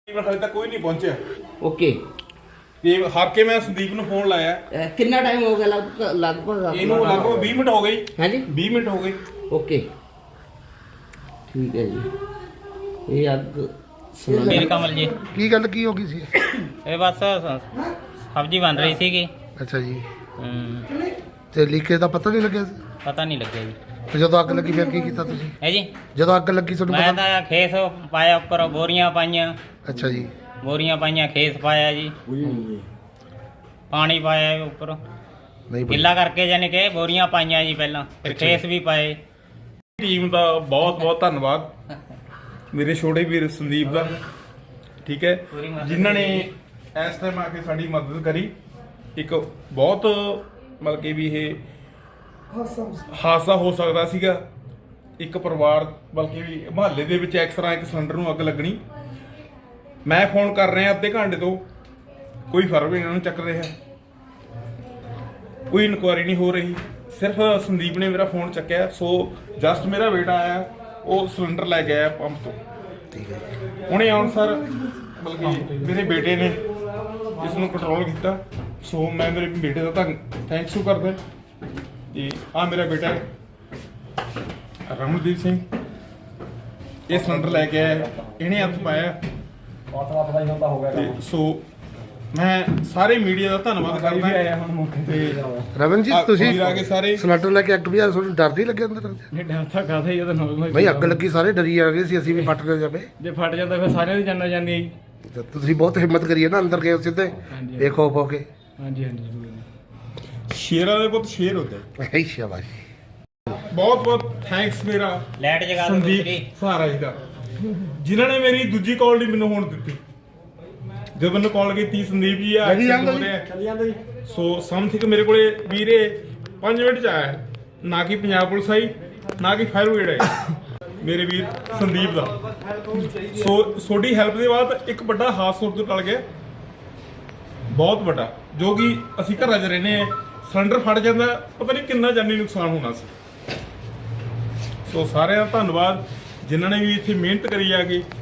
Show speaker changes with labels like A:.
A: ਹਾਲੇ ਤੱਕ ਕੋਈ ਨਹੀਂ ਪਹੁੰਚਿਆ।
B: ਓਕੇ
A: ਤੇ ਹਾਰ ਕੇ ਮੈਂ ਸੰਦੀਪ ਨੂੰ ਫੋਨ ਲਾਇਆ।
B: ਕਿੰਨਾ ਟਾਈਮ ਹੋ ਗਿਆ ਲਗਭਗ
A: ਇਹਨੂੰ ਲਗਭਗ 20 ਮਿੰਟ ਹੋ ਗਏ।
B: ਹਾਂਜੀ
A: 20 ਮਿੰਟ ਹੋ ਗਏ।
B: ਓਕੇ ਠੀਕ ਹੈ ਜੀ। ਇਹ ਅੱਗ
C: ਮੇਰੀ ਕਮਲ ਜੀ
D: ਕੀ ਗੱਲ ਕੀ ਹੋ ਗਈ ਸੀ?
C: ਇਹ ਬਸ ਸਬਜ਼ੀ ਬਣ ਰਹੀ ਸੀਗੀ।
D: ਅੱਛਾ ਜੀ।
C: ਹੂੰ,
D: ਤੇ ਲੀਕੇਜ ਦਾ ਪਤਾ ਨਹੀਂ ਲੱਗਿਆ ਸੀ?
C: ਪਤਾ ਨਹੀਂ ਲੱਗਿਆ ਜੀ।
D: ਤੇ ਜਦੋਂ ਅੱਗ ਲੱਗੀ ਫਿਰ ਕੀ ਕੀਤਾ ਤੁਸੀਂ?
C: ਹੈ ਜੀ
D: ਜਦੋਂ ਅੱਗ ਲੱਗੀ ਤੁਹਾਨੂੰ
C: ਮੈਂ
D: ਪਤਾ?
C: ਤਾਂ ਖੇਸ ਪਾਇਆ ਉੱਪਰ, ਬੋਰੀਆਂ ਪਾਈਆਂ,
D: ਅੱਛਾ ਜੀ।
C: ਬੋਰੀਆਂ ਪਾਈਆਂ, ਖੇਸ ਪਾਇਆ ਜੀ, ਪਾਣੀ ਪਾਇਆ ਉੱਪਰ
D: ਨਹੀਂ ਬਈ।
C: ਗਿੱਲਾ ਕਰਕੇ, ਜਾਨੀ ਕਿ ਬੋਰੀਆਂ ਪਾਈਆਂ ਜੀ ਪਹਿਲਾਂ, ਫਿਰ ਖੇਸ ਵੀ ਪਾਏ।
A: ਟੀਮ ਦਾ ਬਹੁਤ ਬਹੁਤ ਧੰਨਵਾਦ, ਮੇਰੇ ਛੋਟੇ ਵੀਰ ਸੰਦੀਪ ਦਾ, ਠੀਕ ਹੈ, ਜਿਨ੍ਹਾਂ ਨੇ ਇਸ ਟਾਈਮ ਆ ਕੇ ਸਾਡੀ ਮਦਦ ਕਰੀ। ਇੱਕ ਬਹੁਤ ਮਤਲਬ ਕਿ ਵੀ ਇਹ ਹਾਦਸਾ ਹੋ ਸਕਦਾ ਸੀਗਾ। ਇੱਕ ਪਰਿਵਾਰ ਬਲਕਿ ਵੀ ਮੁਹੱਲੇ ਦੇ ਵਿੱਚ ਇੱਕ ਤਰ੍ਹਾਂ ਇੱਕ ਸਿਲੰਡਰ ਨੂੰ ਅੱਗ ਲੱਗਣੀ। ਮੈਂ ਫੋਨ ਕਰ ਰਿਹਾ ਅੱਧੇ ਘੰਟੇ ਤੋਂ, ਕੋਈ ਫਰਕ ਇਹਨਾਂ ਨੂੰ ਚੱਕ ਰਿਹਾ, ਕੋਈ ਇਨਕੁਆਇਰੀ ਨਹੀਂ ਹੋ ਰਹੀ। ਸਿਰਫ ਸੰਦੀਪ ਨੇ ਮੇਰਾ ਫੋਨ ਚੱਕਿਆ। ਸੋ ਜਸਟ ਮੇਰਾ ਬੇਟਾ ਆਇਆ, ਉਹ ਸਿਲੰਡਰ ਲੈ ਕੇ ਆਇਆ ਪੰਪ ਤੋਂ।
D: ਠੀਕ ਹੈ।
A: ਉਹਨੇ ਆਉਣ ਸਰ ਬਲਕਿ ਮੇਰੇ ਬੇਟੇ ਨੇ ਇਸ ਨੂੰ ਕੰਟਰੋਲ ਕੀਤਾ। ਸੋ ਮੈਂ ਮੇਰੇ ਬੇਟੇ ਦਾ ਥੈਂਕਸ ਕਰਦਾ। ਤੇ ਆ ਮੇਰਾ ਬੇਟਾ ਹੈ ਰਮਨਦੀਪ ਸਿੰਘ, ਇਹ ਸਿਲੰਡਰ ਲੈ ਕੇ ਆਇਆ, ਇਹਨੇ ਹੱਥ ਪਾਇਆ। ਤੇ ਸੋ ਮੈਂ ਸਾਰੇ ਮੀਡੀਆ ਦਾ ਧੰਨਵਾਦ ਕਰਦਾ। ਤੇ
D: ਰਵਨ ਜੀ ਤੁਸੀਂ
A: ਵੀਰ ਆ ਕੇ ਸਾਰੇ
D: ਸਿਲੰਡਰ ਲੈ ਕੇ ਅੱਗ ਵੀ ਤੁਹਾਨੂੰ ਡਰ ਨਹੀਂ ਲੱਗਿਆ ਅੰਦਰ?
E: ਨਹੀਂ ਡਰ ਤਾਂ ਕਾਹਦਾ ਹੀ ਉਹਦਾ ਨੋਰਮਲ
D: ਬਈ ਅੱਗ ਲੱਗੀ ਸਾਰੇ ਡਰੀ ਆ ਗਏ ਸੀ ਅਸੀਂ ਵੀ ਫਟ ਨਾ ਜਾਵੇ।
E: ਜੇ ਫਟ ਜਾਂਦਾ ਫਿਰ ਸਾਰਿਆਂ ਦੀ ਜਾਨਾਂ ਜਾਂਦੀ ਹੈ ਜੀ।
D: ਤੇ ਤੁਸੀਂ ਬਹੁਤ ਹਿੰਮਤ ਕਰੀ ਹੈ ਨਾ, ਅੰਦਰ ਗਏ ਸਿੱਧੇ
E: ਹਾਂਜੀ।
D: ਬੇਖੌਫ ਹੋ ਕੇ।
E: ਹਾਂਜੀ ਹਾਂਜੀ ਜ਼ਰੂਰ।
A: ਸ਼ੇਰਾਂ ਦੇ ਪੁੱਤ ਸ਼ੇਰ ਹੁੰਦੇ।
D: ਹੈ ਸ਼ਾਬਾਸ਼।
A: ਬਹੁਤ ਬਹੁਤ ਥੈਂਕਸ ਮੇਰਾ
C: ਲਾਈਟ ਜਗਾ ਦਿਓ
A: ਸੰਦੀਪ
C: ਦੂਸਰੀ।
A: ਸਹਾਰਾ ਜੀ ਦਾ, ਜਿਨ੍ਹਾਂ ਨੇ ਮੇਰੀ ਦੂਜੀ ਕਾਲ ਨਹੀਂ ਮੈਨੂੰ ਹੁਣ ਦਿੱਤੀ। ਜਦੋਂ ਮੈਨੂੰ ਕਾਲ ਕੀਤੀ ਸੰਦੀਪ ਜੀ ਆ ਐਕਸੀਡੈਂਟ ਹੋ ਰਿਹਾ, ਸੋ ਸਮਥਿੰਗ ਮੇਰੇ ਕੋਲੇ ਵੀਰੇ 5 ਮਿੰਟ ਚ ਆਇਆ। ਨਾ ਕਿ ਪੰਜਾਬ ਪੁਲਿਸ ਆਈ, ਨਾ ਕਿ ਫਾਇਰ ਬ੍ਰਿਗੇਡ ਆਈ, ਮੇਰੇ ਵੀਰ ਸੰਦੀਪ ਦਾ। ਸੋ ਤੁਹਾਡੀ ਹੈਲਪ ਦੇ ਬਾਅਦ ਇੱਕ ਵੱਡਾ ਹਾਦਸਾ ਤੋਂ ਟਲ ਗਿਆ, ਬਹੁਤ ਵੱਡਾ, ਜੋ ਕਿ ਅਸੀਂ ਘਰਾਂ 'ਚ ਰਹਿੰਦੇ ਆ। ਸਿਲੰਡਰ ਫਟ ਜਾਂਦਾ, ਪਤਾ ਨਹੀਂ ਕਿੰਨਾ ਜਾਨੀ ਨੁਕਸਾਨ ਹੋਣਾ ਸੀ। ਸੋ ਸਾਰਿਆਂ ਦਾ ਧੰਨਵਾਦ ਜਿਨ੍ਹਾਂ ਨੇ ਵੀ ਇੱਥੇ ਮਿਹਨਤ ਕਰੀ ਆ ਕੇ।